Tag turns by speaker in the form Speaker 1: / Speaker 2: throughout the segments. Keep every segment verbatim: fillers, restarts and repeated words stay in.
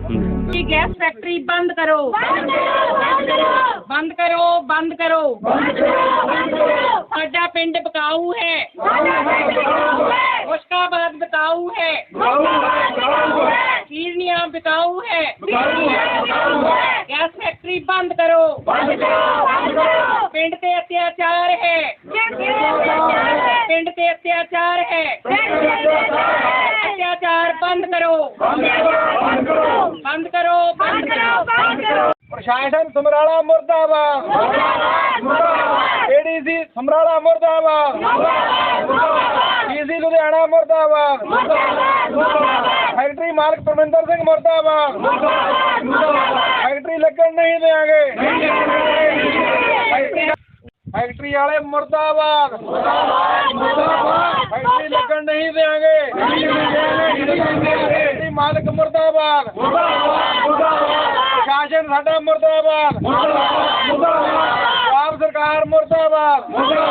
Speaker 1: Gas factory बंद करो, बंद करो, बंद करो। साडा पिंड बिकाऊ है, मुश्काबाद बिकाऊ है, कीरनिया बिकाऊ है। गैस फैक्ट्री बंद करो, पिंड ते अत्याचार है, पिंड ते अत्याचार है। अत्याचार बंद करो, बंद करो, बंद करो, बंद करो।
Speaker 2: प्रशासन समराला मुर्दाबाद, एडीसी समराला मुर्दाबाद, डीसी लुधियाना मुर्दाबाद, फैक्ट्री मालिक परमिंदर सिंह मुर्दाबाद। फैक्ट्री लगन नहीं देंगे, फैक्ट्री वाले मुर्दाबाद, फैक्ट्री लगन नहीं देंगे। फैक्ट्री मालिक मुर्दाबाद, प्रशासन साडा मुर्दाबाद, आप सरकार मुर्दाबाद।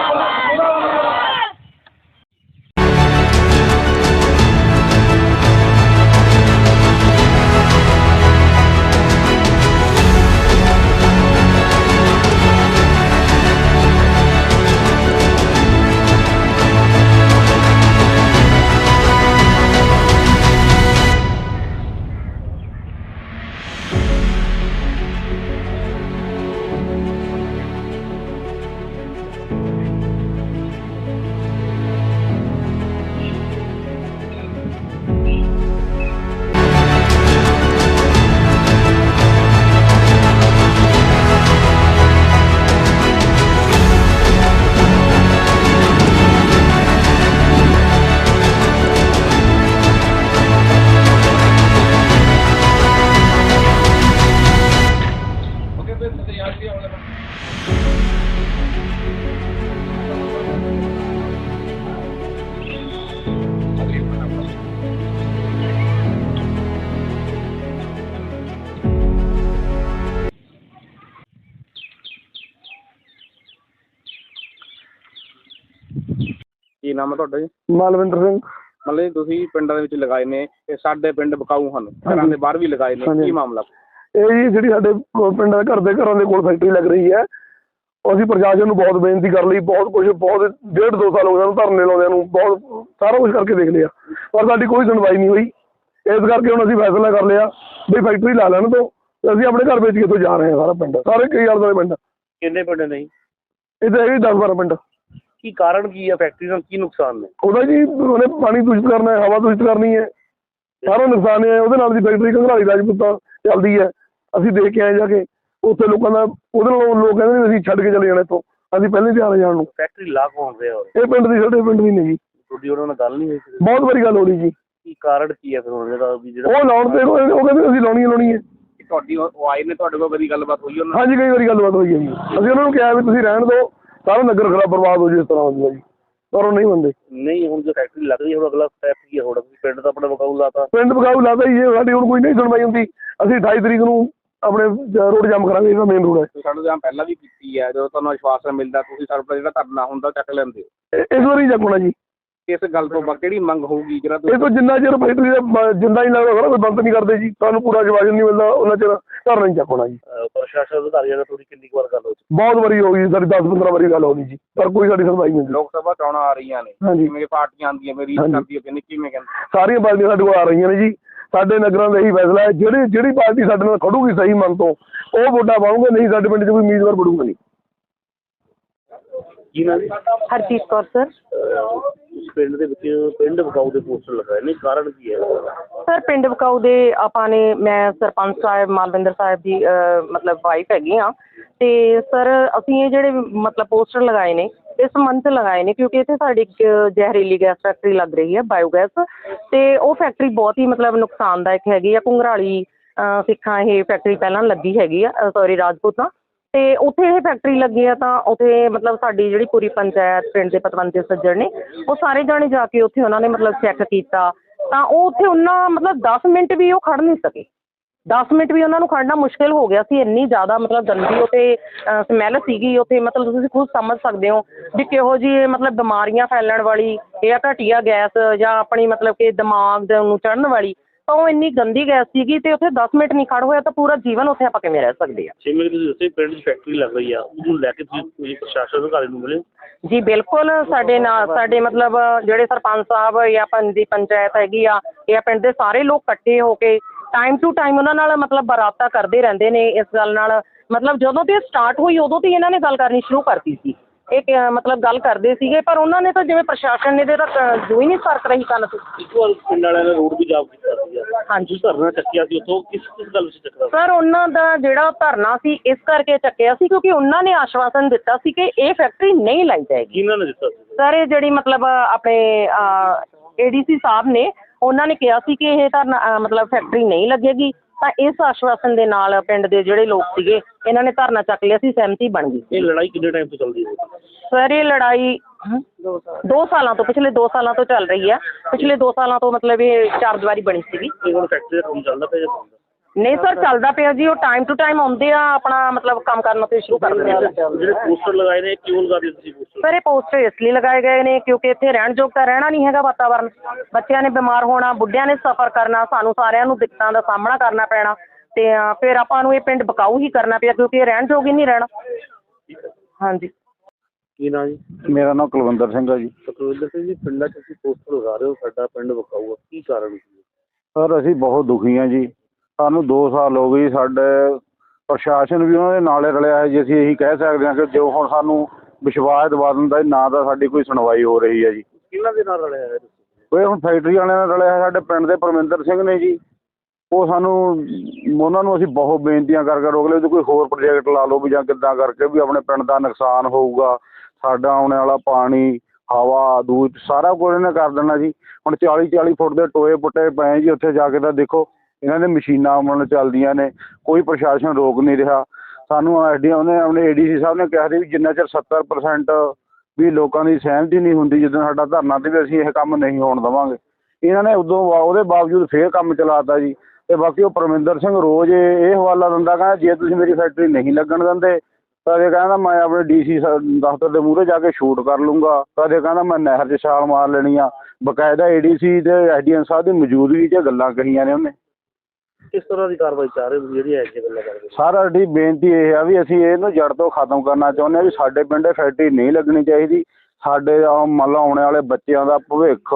Speaker 3: ਕੀ ਨਾਮ ਹੈ ਤੁਹਾਡਾ ਜੀ?
Speaker 2: ਮਾਲਵਿੰਦਰ ਸਿੰਘ।
Speaker 3: ਮਤਲਬ ਤੁਸੀਂ ਪਿੰਡਾਂ ਦੇ ਵਿੱਚ ਲਗਾਏ ਨੇ, ਇਹ ਸਾਡੇ ਪਿੰਡ ਬਿਕਾਊ ਹਨ, ਘਰਾਂ ਦੇ ਬਾਹਰ ਵੀ ਲਗਾਏ ਨੇ, ਕੀ ਮਾਮਲਾ?
Speaker 2: ਇਹ ਜੀ ਜਿਹੜੀ ਸਾਡੇ ਪਿੰਡਾਂ ਘਰ ਦੇ ਘਰਾਂ ਦੇ ਕੋਲ ਫੈਕਟਰੀ ਲੱਗ ਰਹੀ ਹੈ, ਅਸੀਂ ਪ੍ਰਸ਼ਾਸਨ ਨੂੰ ਬਹੁਤ ਬੇਨਤੀ ਕਰ ਲਈ, ਬਹੁਤ ਕੁਝ ਬਹੁਤ ਡੇਢ ਦੋ ਸਾਲ ਹੋ ਗਏ ਧਰਨੇ ਲਾਉਂਦਿਆਂ ਨੂੰ, ਬਹੁਤ ਸਾਰਾ ਕੁਝ ਕਰਕੇ ਦੇਖ ਲਿਆ, ਪਰ ਸਾਡੀ ਕੋਈ ਸੁਣਵਾਈ ਨਹੀਂ ਹੋਈ। ਇਸ ਕਰਕੇ ਹੁਣ ਅਸੀਂ ਫੈਸਲਾ ਕਰ ਲਿਆ ਵੀ ਫੈਕਟਰੀ ਲਾ ਲੈਣ ਤੋਂ ਅਸੀਂ ਆਪਣੇ ਘਰ ਵੇਚ ਕੇ ਇੱਥੋਂ ਜਾ ਰਹੇ ਹਾਂ। ਸਾਰਾ ਪਿੰਡ, ਸਾਰੇ ਕਈ ਆਲੇ ਦੁਆਲੇ ਪਿੰਡ।
Speaker 3: ਕਿੰਨੇ ਪਿੰਡ ਨੇ ਜੀ?
Speaker 2: ਇੱਥੇ ਹੈਗੇ ਦਸ ਬਾਰਾਂ ਪਿੰਡ।
Speaker 3: ਕੀ ਕਾਰਨ ਕੀ ਹੈ? ਫੈਕਟਰੀ ਨਾਲ ਕੀ ਨੁਕਸਾਨ ਨੇ?
Speaker 2: ਉਹਦਾ ਜੀ ਉਹਨੇ ਪਾਣੀ ਦੂਸ਼ਿਤ ਕਰਨਾ ਹੈ, ਹਵਾ ਦੂਸ਼ਿਤ ਕਰਨੀ ਹੈ, ਸਾਰਾ ਨੁਕਸਾਨ ਹੈ ਉਹਦੇ ਨਾਲ ਦੀ। ਫੈਕਟਰੀ ਘੰਗਰਾਲੀ ਰਾਜਪੂਤਾਂ ਚੱਲਦੀ ਹੈ, ਅਸੀਂ ਦੇਖ ਕੇ ਆਏ ਜਾ ਕੇ ਉੱਥੇ ਲੋਕਾਂ ਦਾ। ਉਹਦੇ ਨਾਲ ਲੋਕ ਕਹਿੰਦੇ ਨੇ ਅਸੀਂ ਛੱਡ ਕੇ ਚਲੇ ਜਾਣਾ ਇੱਥੋਂ, ਅਸੀਂ ਪਹਿਲੇ ਤਿਆਰ ਜਾਣ ਨੂੰ।
Speaker 3: ਫੈਕਟਰੀ ਲਾ ਕੌਣ ਰਿਹਾ?
Speaker 2: ਇਹ ਪਿੰਡ ਦੀ, ਸਾਡੇ ਪਿੰਡ ਦੀ ਨਹੀਂ ਜੀ।
Speaker 3: ਤੁਹਾਡੀ ਉਹਨਾਂ ਨਾਲ ਗੱਲ ਨਹੀਂ ਹੋਈ?
Speaker 2: ਬਹੁਤ ਵਾਰੀ ਗੱਲ ਹੋ ਰਹੀ ਜੀ।
Speaker 3: ਕੀ ਕਾਰਨ ਕੀ ਹੈ ਫਿਰ ਹੁਣ ਜਿਹੜਾ
Speaker 2: ਉਹ ਲਾਉਣ ਤੇ ਉਹ ਕਹਿੰਦੇ ਅਸੀਂ ਲਾਉਣੀ ਲਾਉਣੀ ਹੈ।
Speaker 3: ਤੁਹਾਡੀ ਉਹ ਆਏ ਨੇ, ਤੁਹਾਡੇ ਕੋਲ ਕਦੀ ਗੱਲਬਾਤ ਹੋਈ ਉਹਨਾਂ?
Speaker 2: ਹਾਂਜੀ, ਕਈ ਵਾਰੀ ਗੱਲਬਾਤ ਹੋਈ ਹੈ ਜੀ। ਅਸੀਂ ਉਹਨਾਂ ਨੂੰ ਕਿਹਾ ਵੀ ਤੁਸੀਂ ਰਹਿਣ ਦਿਓ, ਸਾਰਾ ਨਗਰ ਖਰਾਬ ਬਰਬਾਦ ਹੋ ਜਾਏ, ਇਸ ਤਰ੍ਹਾਂ ਹੁੰਦਾ ਜੀ, ਪਰ ਉਹ ਨਹੀਂ ਮੰਨਦੇ।
Speaker 3: ਨਹੀਂ, ਹੁਣ ਜੋ ਫੈਕਟਰੀ ਲੱਗ ਰਹੀ ਹੈ, ਹੁਣ ਅਗਲਾ ਸਟੈਪ ਕੀ ਹੈ? ਹੁਣ ਪਿੰਡ ਤਾਂ ਆਪਣਾ ਬਕਾਊ ਲਾਤਾ,
Speaker 2: ਪਿੰਡ ਬਕਾਊ ਲਾਤਾ ਜੀ। ਸਾਡੀ ਹੁਣ ਕੋਈ ਨਹੀਂ ਸੁਣਵਾਈ ਹੁੰਦੀ, ਅਸੀਂ ਅਠਾਈ ਤਰੀਕ ਨੂੰ ਆਪਣੇ ਰੋਡ ਜਾਮ ਕਰਾਂਗੇ, ਇਹਦਾ ਮੇਨ ਰੋਡ ਹੈ।
Speaker 3: ਸਾਨੂੰ ਜਾਂ ਪਹਿਲਾਂ ਵੀ ਕੀਤੀ ਹੈ, ਜਦੋਂ ਤੁਹਾਨੂੰ ਵਿਸ਼ਵਾਸ ਮਿਲਦਾ ਤੁਸੀਂ ਸਾਡਾ ਜਿਹੜਾ ਧਰਨਾ ਹੁੰਦਾ ਚੱਕ ਲੈਂਦੇ ਹੋ।
Speaker 2: ਇਸ ਵਾਰੀ ਚੱਕਣਾ ਜੀ।
Speaker 3: ਇਸ ਗੱਲ ਤੋਂ ਕਿਹੜੀ ਮੰਗ ਹੋਊਗੀ? ਜਿਹੜਾ
Speaker 2: ਇਹ ਤੋਂ ਜਿੰਨਾ ਚਿਰ ਫੈਕਟਰੀ ਦਾ ਜਿੰਦਾ ਹੀ ਲੱਗਦਾ ਸਾਰਾ ਕੋਈ ਬੰਦ ਨਹੀਂ ਕਰਦੇ ਜੀ, ਸਾਨੂੰ ਪੂਰਾ ਜਵਾਬ ਨਹੀਂ ਮਿਲਦਾ, ਉਹਨਾਂ ਚਿਰ ਧਰਨਾ ਨਹੀਂ ਚੱਕਣਾ ਜੀ।
Speaker 3: ਪ੍ਰਸ਼ਾਸਨ ਅਧਿਕਾਰੀਆਂ ਨਾਲ ਥੋੜੀ ਕਿੰਨੀ ਵਾਰ ਗੱਲ ਹੋ ਚੁੱਕੀ?
Speaker 2: ਬਹੁਤ ਵਾਰੀ ਹੋ ਗਈ, ਸਾਡੀ ਦਸ ਪੰਦਰਾਂ ਵਾਰੀ ਗੱਲ ਹੋ ਗਈ ਜੀ, ਪਰ ਕੋਈ ਸਾਡੀ ਸੁਣਵਾਈ ਨਹੀਂ ਹੁੰਦੀ।
Speaker 3: ਲੋਕ ਸਭਾ ਚੋਣਾਂ ਆ ਰਹੀਆਂ ਨੇ, ਜਿਵੇਂ ਪਾਰਟੀਆਂ ਆਉਂਦੀਆਂ ਮੇਰੀ ਕਰਦੀ ਕਹਿੰਦੇ ਕਿਵੇਂ ਕਹਿੰਦੇ?
Speaker 2: ਸਾਰੀਆਂ ਪਾਰਟੀਆਂ ਸਾਡੇ ਕੋਲ ਆ ਰਹੀਆਂ ਨੇ ਜੀ। ਸਾਡੇ ਨਗਰਾਂ ਦਾ ਇਹੀ ਫੈਸਲਾ ਹੈ, ਜਿਹੜੀ ਜਿਹੜੀ ਪਾਰਟੀ ਸਾਡੇ ਨਾਲ ਖੜੂਗੀ ਸਹੀ ਮਨ ਤੋਂ ਉਹ ਵੋਟਾਂ ਪਾਉਂਗੇ, ਨਹੀਂ ਸਾਡੇ ਪਿੰਡ 'ਚ ਕੋਈ ਉਮੀਦਵਾਰ ਬਣੂਗਾ ਨਹੀਂ।
Speaker 3: ਕੀ ਨਾਮ ਜੀ?
Speaker 4: ਹਰਜੀਤ ਕੌਰ ਸਰ।
Speaker 3: ਪਿੰਡ ਦੇ ਵਿੱਚ ਪਿੰਡ ਬਕਾਊ ਦੇ ਪੋਸਟਰ ਲਗਾਏ ਨੇ, ਕਾਰਨ ਕੀ ਹੈ?
Speaker 4: ਸਰ ਪਿੰਡ ਬਕਾਊ ਦੇ ਆਪਾਂ ਨੇ, ਮੈਂ ਸਰਪੰਚ ਸਾਹਿਬ ਮਾਲਵਿੰਦਰ ਸਾਹਿਬ ਦੀ ਮਤਲਬ ਵਾਈਫ ਹੈਗੀ ਹਾਂ, ਅਤੇ ਸਰ ਅਸੀਂ ਇਹ ਜਿਹੜੇ ਮਤਲਬ ਪੋਸਟਰ ਲਗਾਏ ਨੇ ਇਸ ਸੰਬੰਧ 'ਚ ਲਗਾਏ ਨੇ ਕਿਉਂਕਿ ਇੱਥੇ ਸਾਡੀ ਇੱਕ ਜ਼ਹਿਰੀਲੀ ਗੈਸ ਫੈਕਟਰੀ ਲੱਗ ਰਹੀ ਹੈ, ਬਾਇਓਗੈਸ, ਅਤੇ ਉਹ ਫੈਕਟਰੀ ਬਹੁਤ ਹੀ ਮਤਲਬ ਨੁਕਸਾਨਦਾਇਕ ਹੈਗੀ ਆ। ਘੁੰਗਰਾਲੀ ਸਿੱਖਾਂ ਇਹ ਫੈਕਟਰੀ ਪਹਿਲਾਂ ਲੱਗੀ ਹੈਗੀ ਆ, ਸੋਰੀ ਰਾਜਪੂਤਾਂ, ਅਤੇ ਉੱਥੇ ਇਹ ਫੈਕਟਰੀ ਲੱਗੀ ਆ ਤਾਂ ਉੱਥੇ ਮਤਲਬ ਸਾਡੀ ਜਿਹੜੀ ਪੂਰੀ ਪੰਚਾਇਤ ਪਿੰਡ ਦੇ ਪਤਵੰਤੇ ਸੱਜਣ ਨੇ ਉਹ ਸਾਰੇ ਜਾਣੇ ਜਾ ਕੇ ਉੱਥੇ ਉਹਨਾਂ ਨੇ ਮਤਲਬ ਚੈੱਕ ਕੀਤਾ ਤਾਂ ਉਹ ਉੱਥੇ ਉਹਨਾਂ ਮਤਲਬ ਦਸ ਮਿੰਟ ਵੀ ਉਹ ਖੜ੍ਹ ਨਹੀਂ ਸਕੇ। ਦਸ ਮਿੰਟ ਵੀ ਉਹਨਾਂ ਨੂੰ ਖੜ੍ਹਨਾ ਮੁਸ਼ਕਿਲ ਹੋ ਗਿਆ ਸੀ, ਇੰਨੀ ਜ਼ਿਆਦਾ ਮਤਲਬ ਗੰਦੀ ਉੱਥੇ ਸਮੈਲ ਸੀਗੀ ਉੱਥੇ, ਮਤਲਬ ਤੁਸੀਂ ਖੁਦ ਸਮਝ ਸਕਦੇ ਹੋ ਵੀ ਕਿਹੋ ਜਿਹੀ ਮਤਲਬ ਬਿਮਾਰੀਆਂ ਫੈਲਣ ਵਾਲੀ ਜਾਂ ਘਟੀਆ ਗੈਸ ਜਾਂ ਆਪਣੀ ਮਤਲਬ ਕਿ ਦਿਮਾਗ ਨੂੰ ਚੜ੍ਹਨ ਵਾਲੀ ਤਾਂ ਉਹ ਇੰਨੀ ਗੰਦੀ ਗੈਸ ਸੀਗੀ ਤੇ ਉੱਥੇ ਦਸ ਮਿੰਟ ਨਹੀਂ ਖੜ ਹੋਇਆ ਤਾਂ ਪੂਰਾ ਜੀਵਨ ਉੱਥੇ ਆਪਾਂ ਕਿਵੇਂ ਰਹਿ ਸਕਦੇ ਆ।
Speaker 5: ਜਿਵੇਂ ਤੁਸੀਂ ਦੱਸਿਆ ਪਿੰਡ 'ਚ ਫੈਕਟਰੀ ਲੱਗ ਰਹੀ ਆ, ਉਹਨੂੰ ਲੈ ਕੇ ਤੁਸੀਂ ਪ੍ਰਸ਼ਾਸਨ ਅਧਿਕਾਰੀ ਨੂੰ ਮਿਲੇ?
Speaker 4: ਜੀ ਬਿਲਕੁਲ, ਸਾਡੇ ਨਾਲ ਸਾਡੇ ਮਤਲਬ ਜਿਹੜੇ ਸਰਪੰਚ ਸਾਹਿਬ ਜਾਂ ਪਿੰਡ ਦੀ ਪੰਚਾਇਤ ਹੈਗੀ ਆ ਜਾਂ ਪਿੰਡ ਦੇ ਸਾਰੇ ਲੋਕ ਇਕੱਠੇ ਹੋ ਕੇ ਟਾਈਮ ਟੂ ਟਾਈਮ ਉਹਨਾਂ ਨਾਲ ਮਤਲਬ ਬਰਾਬਤਾ ਕਰਦੇ ਰਹਿੰਦੇ ਨੇ ਇਸ ਗੱਲ ਨਾਲ। ਮਤਲਬ ਜਦੋਂ ਤੇ ਸਟਾਰਟ ਹੋਈ ਉਦੋਂ ਤੋਂ ਹੀ ਇਹਨਾਂ ਨੇ ਗੱਲ ਕਰਨੀ ਸ਼ੁਰੂ ਕਰਤੀ ਸੀ। ਇਹ ਕ- ਮਤਲਬ ਗੱਲ ਕਰਦੇ ਸੀਗੇ ਪਰ ਉਹਨਾਂ ਨੇ ਤਾਂ ਜਿਵੇਂ ਪ੍ਰਸ਼ਾਸਨ ਨੇ ਇਹਦੇ ਤੱਕ ਜੋ ਹੀ ਨਹੀਂ ਸਰਕ ਰਹੀ ਕੰਨ ਤੋਂ।
Speaker 5: ਇੱਕ ਵਾਰ ਪਿੰਡ ਵਾਲਿਆਂ ਨੇ ਰੋਡ ਵੀ ਜਾਮ ਕੀਤਾ ਸੀਗਾ,
Speaker 4: ਹਾਂਜੀ
Speaker 5: ਧਰਨਾ ਚੱਕਿਆ ਸੀ, ਉੱਥੋਂ ਕਿਸ ਕਿਸ ਗੱਲ ਵਿੱਚ ਚੱਕਦਾ?
Speaker 4: ਸਰ ਉਹਨਾਂ ਦਾ ਜਿਹੜਾ ਧਰਨਾ ਸੀ ਇਸ ਕਰਕੇ ਚੱਕਿਆ ਸੀ ਕਿਉਂਕਿ ਉਹਨਾਂ ਨੇ ਆਸ਼ਵਾਸਨ ਦਿੱਤਾ ਸੀ ਕਿ ਇਹ ਫੈਕਟਰੀ ਨਹੀਂ ਲਾਈ ਜਾਏਗੀ।
Speaker 5: ਕਿਹਨਾਂ ਨੇ ਦਿੱਤਾ ਸੀ?
Speaker 4: ਸਰ ਇਹ ਜਿਹੜੀ ਮਤਲਬ ਆਪਣੇ ਏ ਡੀ ਸੀ ਸਾਹਿਬ ਨੇ ਉਹਨਾਂ ਨੇ ਕਿਹਾ ਸੀ ਕਿ ਇਹ ਧਰਨਾ ਅ, ਮਤਲਬ ਫੈਕਟਰੀ ਨਹੀਂ ਲੱਗੇਗੀ ਤਾਂ ਇਸ ਆਸ਼ਵਾਸਨ ਦੇ ਨਾਲ ਪਿੰਡ ਦੇ ਜਿਹੜੇ ਲੋਕ ਸੀਗੇ ਇਹਨਾਂ ਨੇ ਧਰਨਾ ਚੱਕ ਲਿਆ ਸੀ, ਸਹਿਮਤੀ ਬਣ ਗਈ।
Speaker 5: ਇਹ ਲੜਾਈ ਕਿੰਨੇ ਟਾਈਮ ਤੋਂ ਚੱਲਦੀ ਹੈ?
Speaker 4: ਸਰ ਇਹ ਲੜਾਈ ਦੋ ਸਾਲਾਂ ਤੋਂ ਪਿਛਲੇ ਦੋ ਸਾਲਾਂ ਤੋਂ ਚੱਲ ਰਹੀ ਹੈ। ਪਿਛਲੇ ਦੋ ਸਾਲਾਂ ਤੋਂ ਮਤਲਬ ਇਹ ਚਾਰ ਦੀਵਾਰੀ ਬਣੀ ਸੀਗੀ।
Speaker 5: ਇਹ ਹੁਣ ਫੈਕਟਰੀ ਦਾ ਕੰਮ ਚੱਲਦਾ ਪਿਆ ਜਾਂ ਬੰਦ?
Speaker 4: ਨਹੀਂ ਸਰ ਚੱਲਦਾ ਪਿਆ ਜੀ, ਉਹ ਟਾਈਮ ਟੂ ਟਾਈਮ ਆਉਂਦੇ ਆ ਆਪਣਾ ਮਤਲਬ ਕੰਮ ਕਰਨਾ ਤੇ ਸ਼ੁਰੂ ਕਰ ਦਿੰਦੇ ਆ।
Speaker 5: ਜਿਹੜੇ ਪੋਸਟਰ ਲਗਾਏ ਨੇ ਕਿਉਂ ਲਗਾ ਦਿੱਤੇ ਤੁਸੀਂ ਪੋਸਟਰ?
Speaker 4: ਸਰ ਇਹ ਪੋਸਟਰ ਇਸ ਲਈ ਲਗਾਏ ਗਏ ਨੇ ਕਿਉਂਕਿ ਇੱਥੇ ਰਹਿਣ ਯੋਗ ਤਾਂ ਰਹਿਣਾ ਨਹੀਂ ਹੈਗਾ ਵਾਤਾਵਰਨ। ਬੱਚਿਆਂ ਨੇ ਬਿਮਾਰ ਹੋਣਾ, ਬੁੱਢਿਆਂ ਨੇ ਸਫ਼ਰ ਕਰਨਾ, ਸਾਨੂੰ ਸਾਰਿਆਂ ਨੂੰ ਦਿੱਕਤਾਂ ਦਾ ਸਾਹਮਣਾ ਕਰਨਾ ਪੈਣਾ ਤੇ ਅ, ਫਿਰ ਆਪਾਂ ਨੂੰ ਇਹ ਪਿੰਡ ਬਕਾਊ ਹੀ ਕਰਨਾ ਪਿਆ ਕਿਉਂਕਿ ਇਹ ਰਹਿਣ ਯੋਗ ਹੀ ਨਹੀਂ ਰਹਿਣਾ। ਹਾਂਜੀ
Speaker 5: ਕੀ ਨਾਂ ਜੀ?
Speaker 6: ਮੇਰਾ ਨਾਮ ਕੁਲਵਿੰਦਰ ਸਿੰਘ ਹੈ ਜੀ।
Speaker 5: ਸੁਖਵਿੰਦਰ ਸਿੰਘ ਜੀ, ਪਿੰਡਾਂ 'ਚ ਤੁਸੀਂ ਪੋਸਟਰ ਲਗਾ ਰਹੇ ਹੋ ਸਾਡਾ ਪਿੰਡ ਵਿਕਾਊ ਆ, ਕੀ ਕਾਰਨ ਸੀ?
Speaker 6: ਸਰ ਅਸੀਂ ਬਹੁਤ ਦੁਖੀ ਹਾਂ ਜੀ। ਸਾਨੂੰ ਦੋ ਸਾਲ ਹੋ ਗਏ, ਸਾਡੇ ਪ੍ਰਸ਼ਾਸਨ ਵੀ ਉਹਨਾਂ ਦੇ ਨਾਲੇ ਰਲਿਆ ਹੈ ਜੀ। ਅਸੀਂ ਇਹੀ ਕਹਿ ਸਕਦੇ ਹਾਂ ਕਿ ਜੋ ਹੁਣ ਸਾਨੂੰ ਵਿਸ਼ਵਾਸ ਦਿਵਾ ਦਿੰਦਾ ਨਾ ਤਾਂ ਸਾਡੀ ਕੋਈ ਸੁਣਵਾਈ ਹੋ ਰਹੀ ਹੈ ਜੀ।
Speaker 5: ਕਿਹਨਾਂ ਦੇ ਨਾਲ ਰਲਿਆ ਹੈ?
Speaker 6: ਉਹ ਹੁਣ ਫੈਕਟਰੀ ਵਾਲਿਆਂ ਨਾਲ ਰਲਿਆ ਹੈ ਸਾਡੇ ਪਿੰਡ ਦੇ ਪਰਮਿੰਦਰ ਸਿੰਘ ਨੇ ਜੀ। ਉਹ ਸਾਨੂੰ ਉਹਨਾਂ ਨੂੰ ਅਸੀਂ ਬਹੁਤ ਬੇਨਤੀਆਂ ਕਰ ਕਰ ਰੋਕ ਲਏ ਵੀ ਕੋਈ ਹੋਰ ਪ੍ਰੋਜੈਕਟ ਲਾ ਲਓ ਵੀ ਜਾਂ ਕਿੱਦਾਂ ਕਰਕੇ ਵੀ ਆਪਣੇ ਪਿੰਡ ਦਾ ਨੁਕਸਾਨ ਹੋਊਗਾ, ਸਾਡਾ ਆਉਣ ਵਾਲਾ ਪਾਣੀ, ਹਵਾ, ਦੂਧ ਸਾਰਾ ਕੁਝ ਇਹਨੇ ਕਰ ਦੇਣਾ ਜੀ। ਹੁਣ ਚਾਲੀ ਚਾਲੀ ਫੁੱਟ ਦੇ ਟੋਏ ਪੁੱਟੇ ਪਏ ਜੀ, ਉੱਥੇ ਜਾ ਕੇ ਤਾਂ ਦੇਖੋ ਇਹਨਾਂ ਦੇ ਮਸ਼ੀਨਾਂ ਮਨ ਚੱਲਦੀਆਂ ਨੇ, ਕੋਈ ਪ੍ਰਸ਼ਾਸਨ ਰੋਕ ਨਹੀਂ ਰਿਹਾ ਸਾਨੂੰ। ਐਸ ਡੀ ਉਹਨੇ ਆਪਣੇ ਏ ਡੀ ਸੀ ਸਾਹਿਬ ਨੇ ਕਿਹਾ ਸੀ ਵੀ ਜਿੰਨਾ ਚਿਰ ਸੱਤਰ ਪਰਸੈਂਟ ਵੀ ਲੋਕਾਂ ਦੀ ਸਹਿਮਤੀ ਨਹੀਂ ਹੁੰਦੀ ਜਦੋਂ ਸਾਡਾ ਧਰਨਾ ਤੇ ਵੀ ਅਸੀਂ ਇਹ ਕੰਮ ਨਹੀਂ ਹੋਣ ਦੇਵਾਂਗੇ। ਇਹਨਾਂ ਨੇ ਉਦੋਂ ਉਹਦੇ ਬਾਵਜੂਦ ਫੇਰ ਕੰਮ ਚਲਾਤਾ ਜੀ। ਤੇ ਬਾਕੀ ਉਹ ਪਰਮਿੰਦਰ ਸਿੰਘ ਰੋਜ਼ ਇਹ ਹਵਾਲਾ ਦਿੰਦਾ, ਕਹਿੰਦਾ ਜੇ ਤੁਸੀਂ ਮੇਰੀ ਫੈਕਟਰੀ ਨਹੀਂ ਲੱਗਣ ਦਿੰਦੇ ਕਦੇ ਕਹਿੰਦਾ ਮੈਂ ਆਪਣੇ ਡੀ ਸੀ ਦਫ਼ਤਰ ਦੇ ਮੂਹਰੇ ਜਾ ਕੇ ਸ਼ੂਟ ਕਰ ਲੂੰਗਾ, ਕਦੇ ਕਹਿੰਦਾ ਮੈਂ ਨਹਿਰ 'ਚ ਛਾਲ ਮਾਰ ਲੈਣੀ ਆ। ਬਕਾਇਦਾ ਏ ਡੀ ਸੀ ਤੇ ਐਸ ਡੀ ਐਮ ਸਾਹਿਬ ਦੀ ਮੌਜੂਦਗੀ 'ਚ ਗੱਲਾਂ ਕਹੀਆਂ ਨੇ ਉਹਨੇ।
Speaker 5: ਕਿਸ ਤਰ੍ਹਾਂ ਦੀ ਕਾਰਵਾਈ ਚਾਹ ਰਹੇ ਹੋ ਜਿਹੜੀ ਐ ਜੀ ਗੱਲਾਂ ਕਰਦੇ?
Speaker 6: ਸਰ ਸਾਡੀ ਬੇਨਤੀ ਇਹ ਆ ਵੀ ਅਸੀਂ ਇਹਨੂੰ ਜੜ ਤੋਂ ਖਤਮ ਕਰਨਾ ਚਾਹੁੰਦੇ ਹਾਂ ਵੀ ਸਾਡੇ ਪਿੰਡ ਫੈਕਟਰੀ ਨਹੀਂ ਲੱਗਣੀ ਚਾਹੀਦੀ। ਸਾਡੇ ਮੰਨ ਲਓ ਆਉਣ ਵਾਲੇ ਬੱਚਿਆਂ ਦਾ ਭਵਿੱਖ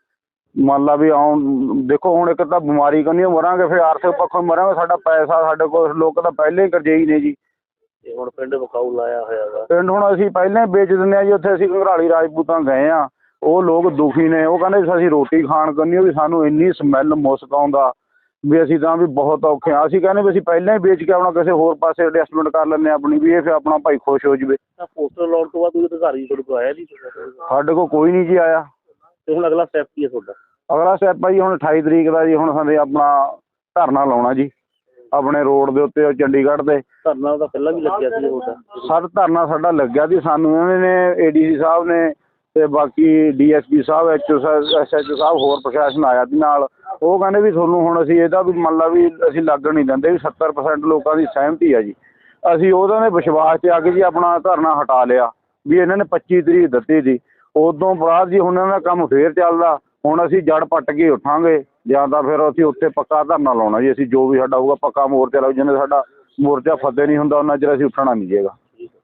Speaker 6: ਮੰਨ ਲਾ ਵੀ ਆਉਣ ਦੇਖੋ ਹੁਣ ਇੱਕ ਤਾਂ ਬਿਮਾਰੀ ਕਰਨੀ ਮਰਾਂਗੇ, ਫਿਰ ਆਰਥਿਕ ਪੱਖੋਂ ਮਰਾਂਗੇ, ਸਾਡਾ ਪੈਸਾ ਸਾਡੇ ਕੋਲ ਲੋਕ ਤਾਂ ਪਹਿਲੇ ਹੀ ਕਰਜ਼ਈ ਨੇ ਜੀ।
Speaker 5: ਤੇ ਹੁਣ ਪਿੰਡ ਵਿਕਾਊ ਲਾਇਆ ਹੋਇਆ ਵਾ
Speaker 6: ਪਿੰਡ ਹੁਣ ਅਸੀਂ ਪਹਿਲਾਂ ਹੀ ਵੇਚ ਦਿੰਦੇ ਹਾਂ ਜੀ। ਉੱਥੇ ਅਸੀਂ ਘੰਗਰਾਲੀ ਰਾਜਪੂਤਾਂ ਗਏ ਹਾਂ, ਉਹ ਲੋਕ ਦੁਖੀ ਨੇ, ਉਹ ਕਹਿੰਦੇ ਅਸੀਂ ਰੋਟੀ ਖਾਣ ਕਰਨੀ ਵੀ ਸਾਨੂੰ ਇੰਨੀ ਸਮੈਲ ਮੁਸਕ ਆਉਂਦਾ ਵੀ ਅਸੀਂ ਤਾਂ ਵੀ ਬਹੁਤ ਔਖੇ ਹਾਂ। ਅਸੀਂ ਕਹਿੰਦੇ ਵੀ ਅਸੀਂ ਪਹਿਲਾਂ ਹੀ ਵੇਚ ਕੇ ਆਪਣਾ ਕਿਸੇ ਹੋਰ ਪਾਸੇ ਐਡਜਸਟਮੈਂਟ ਕਰ ਲੈਂਦੇ ਹਾਂ ਆਪਣੀ, ਵੀ ਇਹ ਫਿਰ ਆਪਣਾ ਭਾਈ ਖੁਸ਼ ਹੋ ਜਾਵੇ।
Speaker 5: ਤਾਂ ਪੋਸਟਰ ਲਾਉਣ ਤੋਂ ਬਾਅਦ ਤੁਸੀਂ ਅਧਿਕਾਰੀ ਤੁਹਾਡੇ ਕੋਲ ਆਇਆ ਜੀ?
Speaker 6: ਸਾਡੇ ਕੋਲ ਕੋਈ ਨਹੀਂ ਜੀ ਆਇਆ।
Speaker 5: ਤੇ ਹੁਣ ਅਗਲਾ ਸਟੈਪ ਕੀ ਹੈ ਤੁਹਾਡਾ?
Speaker 6: ਅਗਲਾ ਸਟੈਪ ਆ ਜੀ ਹੁਣ ਅਠਾਈ ਤਰੀਕ ਦਾ ਜੀ, ਹੁਣ ਸਾਡੇ ਆਪਣਾ ਧਰਨਾ ਲਾਉਣਾ ਜੀ ਆਪਣੇ ਰੋਡ ਦੇ ਉੱਤੇ ਚੰਡੀਗੜ੍ਹ ਦੇ।
Speaker 5: ਧਰਨਾ ਤਾਂ ਪਹਿਲਾਂ ਵੀ ਲੱਗਿਆ ਸੀ ਤੁਹਾਡਾ?
Speaker 6: ਸਰ ਧਰਨਾ ਸਾਡਾ ਲੱਗਿਆ ਸੀ, ਸਾਨੂੰ ਇਹਨਾਂ ਨੇ ਏ ਡੀ ਸੀ ਸਾਹਿਬ ਨੇ ਤੇ ਬਾਕੀ ਡੀ ਐਸ ਪੀ ਸਾਹਿਬ, H O S H O ਸਾਹਿਬ, ਹੋਰ ਪ੍ਰਸ਼ਾਸਨ ਆਇਆ ਸੀ ਨਾਲ। ਉਹ ਕਹਿੰਦੇ ਵੀ ਤੁਹਾਨੂੰ ਹੁਣ ਅਸੀਂ ਇਹਦਾ ਵੀ ਮੰਨ ਲਾ ਵੀ ਅਸੀਂ ਲੱਗਣ ਨਹੀਂ ਦਿੰਦੇ ਵੀ ਸੱਤਰ ਪਰਸੈਂਟ ਲੋਕਾਂ ਦੀ ਸਹਿਮਤੀ ਆ ਜੀ। ਅਸੀਂ ਉਹਨਾਂ ਦੇ ਵਿਸ਼ਵਾਸ 'ਚ ਆ ਕੇ ਜੀ ਆਪਣਾ ਧਰਨਾ ਹਟਾ ਲਿਆ ਵੀ ਇਹਨਾਂ ਨੇ ਪੱਚੀ ਤਰੀਕ ਦਿੱਤੀ ਸੀ। ਉਦੋਂ ਬਾਅਦ ਜੀ ਹੁਣ ਇਹਨਾਂ ਦਾ ਕੰਮ ਫੇਰ ਚੱਲਦਾ। ਹੁਣ ਅਸੀਂ ਜੜ ਪੱਟ ਕੇ ਉੱਠਾਂਗੇ ਜਾਂ ਤਾਂ ਫਿਰ ਅਸੀਂ ਉੱਥੇ ਪੱਕਾ ਧਰਨਾ ਲਾਉਣਾ ਜੀ। ਅਸੀਂ ਜੋ ਵੀ ਸਾਡਾ ਹੋਊਗਾ ਪੱਕਾ ਮੋਰਚਾ ਲਾਉ, ਜਿੰਨੇ ਸਾਡਾ ਮੋਰਚਾ ਫਤਿਹ ਨਹੀਂ ਹੁੰਦਾ ਉਹਨਾਂ ਚਿਰ ਅਸੀਂ ਉੱਠਣਾ ਨਹੀਂ ਜੇਗਾ।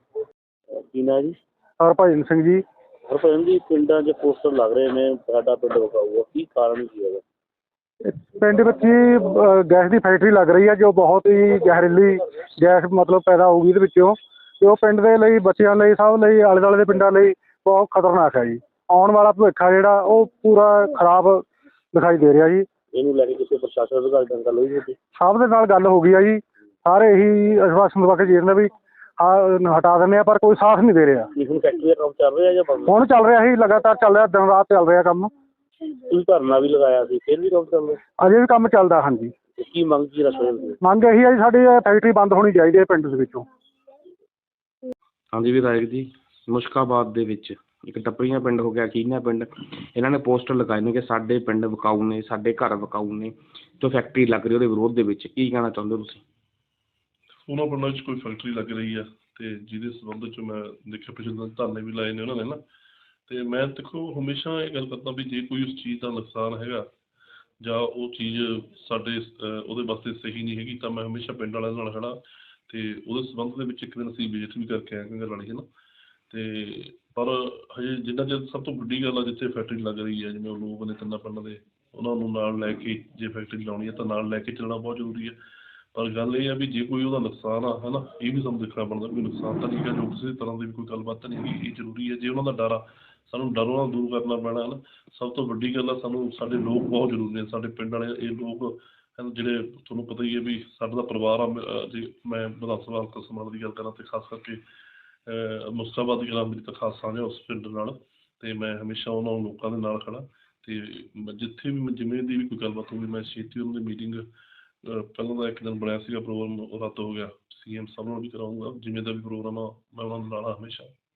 Speaker 5: ਕੀ ਨਾਂ ਜੀ?
Speaker 2: ਹਰਭਜਨ ਸਿੰਘ ਜੀ।
Speaker 5: ਹਰਭਜਨ ਜੀ, ਪਿੰਡਾਂ 'ਚ ਪੋਸਟਰ ਲੱਗ ਰਹੇ ਨੇ ਸਾਡਾ ਪਿੰਡ ਵਿਕਾਊ ਆ, ਕੀ ਕਾਰਨ ਕੀ ਹੈਗਾ?
Speaker 2: ਪਿੰਡ ਵਿੱਚ ਹੀ ਗੈਸ ਦੀ ਫੈਕਟਰੀ ਲੱਗ ਰਹੀ ਹੈ ਜੋ ਬਹੁਤ ਹੀ ਜ਼ਹਿਰੀਲੀ ਗੈਸ ਮਤਲਬ ਪੈਦਾ ਹੋਊਗੀ ਇਹਦੇ ਵਿੱਚੋਂ, ਤੇ ਉਹ ਪਿੰਡ ਦੇ ਲਈ, ਬੱਚਿਆਂ ਲਈ, ਸਭ ਲਈ, ਆਲੇ ਦੁਆਲੇ ਦੇ ਪਿੰਡਾਂ ਲਈ ਬਹੁਤ ਖਤਰਨਾਕ ਹੈ ਜੀ। ਆਉਣ ਵਾਲਾ ਭਵਿੱਖ ਆ ਜਿਹੜਾ ਉਹ ਪੂਰਾ ਖਰਾਬ ਦਿਖਾਈ ਦੇ ਰਿਹਾ ਜੀ।
Speaker 5: ਇਹਨੂੰ ਲੈ ਕੇ ਕਿਸੇ ਪ੍ਰਸ਼ਾਸਨ ਅਧਿਕਾਰੀ ਨਾਲ ਗੱਲ ਹੋਈ ਤੁਹਾਡੀ?
Speaker 2: ਸਭ ਦੇ ਨਾਲ ਗੱਲ ਹੋ ਗਈ ਆ ਜੀ, ਸਾਰੇ ਇਹੀ ਆਸ਼ਵਾਸਨ ਦਵਾ ਕੇ ਜੀ ਰਹੇ ਵੀ ਹਾਂ ਹਟਾ ਦਿੰਦੇ ਆ, ਪਰ ਕੋਈ ਸਾਥ ਨਹੀਂ ਦੇ ਰਿਹਾ।
Speaker 5: ਹੁਣ ਫੈਕਟਰੀ ਦਾ ਕੰਮ ਚੱਲ ਰਿਹਾ ਜਾਂ ਬੰਦ?
Speaker 2: ਹੁਣ ਚੱਲ ਰਿਹਾ ਸੀ, ਲਗਾਤਾਰ ਚੱਲ ਰਿਹਾ, ਦਿਨ ਰਾਤ ਚੱਲ ਰਿਹਾ ਕੰਮ।
Speaker 5: ਤੁਸੀਂ ਧਰਨਾ ਵੀ ਲਗਾਇਆ ਸੀ, ਫਿਰ ਵੀ ਕੰਮ ਚੱਲ ਰਿਹਾ?
Speaker 2: ਅਜੇ ਵੀ ਕੰਮ ਚੱਲਦਾ। ਹਾਂਜੀ।
Speaker 5: ਕੀ ਮੰਗ ਕੀ ਰੱਖਦੇ ਹੋ?
Speaker 2: ਮੰਗ ਇਹੀ ਹੈ ਜੀ ਸਾਡੀ ਫੈਕਟਰੀ ਬੰਦ ਹੋਣੀ ਚਾਹੀਦੀ ਹੈ ਪਿੰਡ ਦੇ ਵਿੱਚੋਂ।
Speaker 3: ਹਾਂਜੀ ਵਿਧਾਇਕ ਜੀ, ਮੁਸ਼ਕਾਬਾਦ ਦੇ ਵਿੱਚ ਇੱਕ ਟੱਪਰੀਆਂ ਪਿੰਡ ਹੋ ਗਿਆ, ਕੀਨਾ ਪਿੰਡ, ਇਹਨਾਂ ਨੇ ਪੋਸਟਰ ਲਗਾਏ ਨੇ ਕਿ ਸਾਡੇ ਪਿੰਡ ਵਿਕਾਊ ਨੇ, ਸਾਡੇ ਘਰ ਵਿਕਾਊ ਨੇ, ਜੋ ਫੈਕਟਰੀ ਲੱਗ ਰਹੀ ਉਹਦੇ ਵਿਰੋਧ ਦੇ ਵਿੱਚ, ਕੀ ਕਹਿਣਾ ਚਾਹੁੰਦੇ ਹੋ ਤੁਸੀਂ?
Speaker 7: ਉਹਨਾਂ ਪਿੰਡਾਂ 'ਚ ਕੋਈ ਫੈਕਟਰੀ ਲੱਗ ਰਹੀ ਆ ਤੇ ਜਿਹਦੇ ਸੰਬੰਧ 'ਚ ਮੈਂ ਦੇਖਿਆ ਪਿਛਲੇ ਦਿਨ ਧਰਨੇ ਵੀ ਲਾਏ ਨੇ ਉਹਨਾਂ ਨੇ ਨਾ। ਤੇ ਮੈਂ ਦੇਖੋ ਹਮੇਸ਼ਾ ਇਹ ਗੱਲ ਕਰਦਾ ਵੀ ਜੇ ਕੋਈ ਉਸ ਚੀਜ਼ ਦਾ ਨੁਕਸਾਨ ਹੈਗਾ ਜਾਂ ਉਹ ਚੀਜ਼ ਸਾਡੇ ਅਹ, ਉਹਦੇ ਵਾਸਤੇ ਸਹੀ ਨਹੀਂ ਹੈਗੀ ਤਾਂ ਮੈਂ ਹਮੇਸ਼ਾ ਪਿੰਡ ਵਾਲਿਆਂ ਨਾਲ ਖੜਾ ਤੇ ਉਹਦੇ ਸੰਬੰਧ ਦੇ ਵਿੱਚ ਇੱਕ ਦਿਨ ਅਸੀਂ ਵਿਜ਼ਿਟ ਵੀ ਕਰਕੇ ਆਏ ਕੰਗਰ ਵਾਲੀ ਹੈ ਨਾ। ਤੇ ਪਰ ਹਜੇ ਜਿੰਨਾ ਚਿਰ ਸਭ ਤੋਂ ਵੱਡੀ ਗੱਲ ਆ ਜਿੱਥੇ ਫੈਕਟਰੀ ਲੱਗ ਰਹੀ ਹੈ, ਜਿਵੇਂ ਉਹ ਲੋਕ ਨੇ ਤਿੰਨਾਂ ਪਿੰਡਾਂ ਦੇ, ਉਹਨਾਂ ਨੂੰ ਨਾਲ ਲੈ ਕੇ ਜੇ ਫੈਕਟਰੀ ਲਾਉਣੀ ਹੈ ਤਾਂ ਨਾਲ ਲੈ ਕੇ ਚੱਲਣਾ ਬਹੁਤ ਜ਼ਰੂਰੀ ਹੈ। ਪਰ ਗੱਲ ਇਹ ਆ ਵੀ ਜੇ ਕੋਈ ਉਹਦਾ ਨੁਕਸਾਨ ਆ ਹੈ ਨਾ, ਇਹ ਵੀ ਸਾਨੂੰ ਦੇਖਣਾ ਪੈਂਦਾ ਕੋਈ ਨੁਕਸਾਨ ਤਾਂ ਨਹੀਂ ਹੈਗਾ, ਜੋ ਕਿਸੇ ਤਰ੍ਹਾਂ ਦੀ ਵੀ ਕੋਈ ਗੱਲਬਾਤ ਤਾਂ ਨਹੀਂ ਹੈਗੀ। ਇਹ ਜ਼ਰੂਰੀ ਹੈ, ਜੇ ਉਹਨਾਂ ਦਾ ਡਰ ਆ ਸਾਨੂੰ ਡਰੋਂ ਨਾਲ ਦੂਰ ਕਰਨਾ ਪੈਣਾ ਹੈ ਨਾ। ਸਭ ਤੋਂ ਵੱਡੀ ਗੱਲ ਆ ਸਾਨੂੰ ਸਾਡੇ ਲੋਕ ਬਹੁਤ ਜ਼ਰੂਰੀ ਨੇ, ਸਾਡੇ ਪਿੰਡ ਵਾਲੇ ਇਹ ਲੋਕ ਹਨ ਜਿਹੜੇ ਤੁਹਾਨੂੰ ਪਤਾ ਹੀ ਹੈ ਵੀ ਸਾਡਾ ਦਾ ਪਰਿਵਾਰ ਆ। ਅਹ ਜੇ ਮੈਂ ਵਿਧਾਨ ਸਭਾ ਹਲਕਾ ਸਮਾਣਾ ਦੀ ਗੱਲ ਕਰਾਂ ਤਾਂ ਖਾਸ ਕਰਕੇ ਅਹ ਮੁਸਤਾਬਾਦ ਦੀ ਗੱਲ ਮੇਰੀ ਤਾਂ ਖਾਸ ਸਾਂਝ ਆ ਉਸ ਪਿੰਡ ਨਾਲ, ਅਤੇ ਮੈਂ ਹਮੇਸ਼ਾ ਉਹਨਾਂ ਲੋਕਾਂ ਦੇ ਨਾਲ ਖੜਾ। ਅਤੇ ਜਿੱਥੇ ਵੀ ਜਿਵੇਂ ਦੀ ਵੀ ਕੋਈ ਗੱਲਬਾਤ ਹੋਊਗੀ ਮੈਂ ਛੇਤੀ ਉਹਨਾਂ ਦੀ ਮੀਟਿੰਗ, ਪਹਿਲਾਂ ਦਾ ਇੱਕ ਦਿਨ ਬਣਿਆ ਸੀਗਾ ਪ੍ਰੋਗਰਾਮ, ਉਹ ਰੱਦ ਹੋ ਗਿਆ, ਸੀ ਐਮ ਸਾਹਿਬ ਨਾਲ ਵੀ ਕਰਾਊਂਗਾ, ਜਿਵੇਂ ਦਾ ਵੀ ਪ੍ਰੋਗਰਾਮ ਆ ਮੈਂ ਉਹਨਾਂ ਦੇ ਨਾਲ ਆ ਹਮੇਸ਼ਾ।